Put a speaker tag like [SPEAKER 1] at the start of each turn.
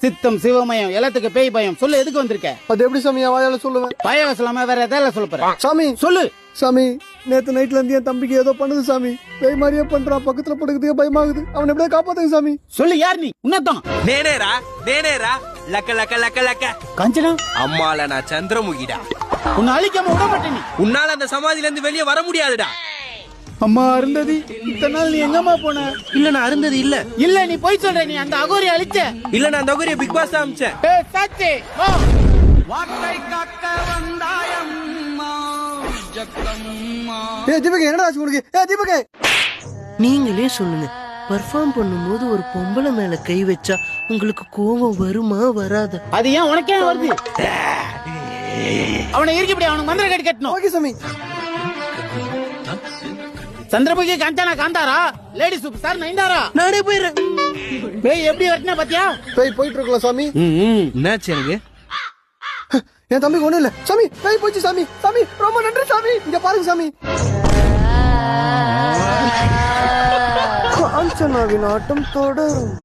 [SPEAKER 1] சித்தம் சிவமயம் எல்லாத்துக்கு பேய் பயம். சொல்லு, எதுக்கு வந்திருக்க?
[SPEAKER 2] அது எப்படி சாமி என் வாயால சொல்லுவேன்?
[SPEAKER 1] பயம் சொல்லாம வேற எதாவது சொல்ல போற?
[SPEAKER 2] சாமி
[SPEAKER 1] சொல்லு.
[SPEAKER 2] சாமி, நேத்து நைட்ல இருந்து என் தம்பிக்கு ஏதோ பண்ணுது சாமி. பேய் மாதிரியே பண்றான். பக்கத்துல படுக்கிறதுக்கே பயமாகுது. அவன் எப்படியா காப்பாத்துங்க சாமி.
[SPEAKER 1] சொல்லு, யார் நீ? உன்னதான்
[SPEAKER 3] நேனேரா லக்க லக்க லக்க லக்க
[SPEAKER 1] கஞ்சனா.
[SPEAKER 3] அம்மால நான் சந்திரமுகிடா.
[SPEAKER 1] உன்னை அழிக்காம விட மாட்டேன். நீ
[SPEAKER 3] உன்னால அந்த சமாதியில இருந்து வெளியே வர முடியாதுடா.
[SPEAKER 2] அம்மா அருந்ததி, இத்தனை நாள் நீ எங்கம்மா போன?
[SPEAKER 3] இல்ல நான் அருந்தது இல்ல.
[SPEAKER 1] இல்ல, நீ போய் சொல்ற. நீ அந்த அகோரி அழிச்ச.
[SPEAKER 3] இல்ல நான் அந்த அகோரிய பிக் பாஸ் தான் அமிச்சேன்.
[SPEAKER 1] ஏய் சத்தே, வா.
[SPEAKER 2] தீபக், என்னடா ஆச்சு உங்களுக்கு? தீபக்,
[SPEAKER 4] நீங்களே சொல்லுங்க, பர்ஃபார்ம் பண்ணும்போது ஒரு பொம்பளை மேல கை வச்சா உங்களுக்கு கோபம் வருமா வராது?
[SPEAKER 1] அது ஏன் உனக்கே வருது? அவனை இருக்கப்படி அவனுக்கு மந்திர கட்டி கட்டணும்.
[SPEAKER 2] ஓகே சாமி.
[SPEAKER 1] Chandramukhi Kanchana Kantara, lady super star Nayanthara.
[SPEAKER 4] நானே போயிடுறேன்.
[SPEAKER 1] பேய் எப்படி வரட்டினா பாத்தியா?
[SPEAKER 2] பேய் போயிட்டு இருக்கலாம் சாமி.
[SPEAKER 3] என்னாச்சு எனக்கு?
[SPEAKER 2] என் தம்பிக்கு ஒண்ணும் இல்ல சாமி. பேய் போச்சு சாமி. சாமி ரொம்ப நன்றி சாமி. இங்க பாருங்க சாமி. காஞ்சனாவின் ஆட்டம் தொடரும்.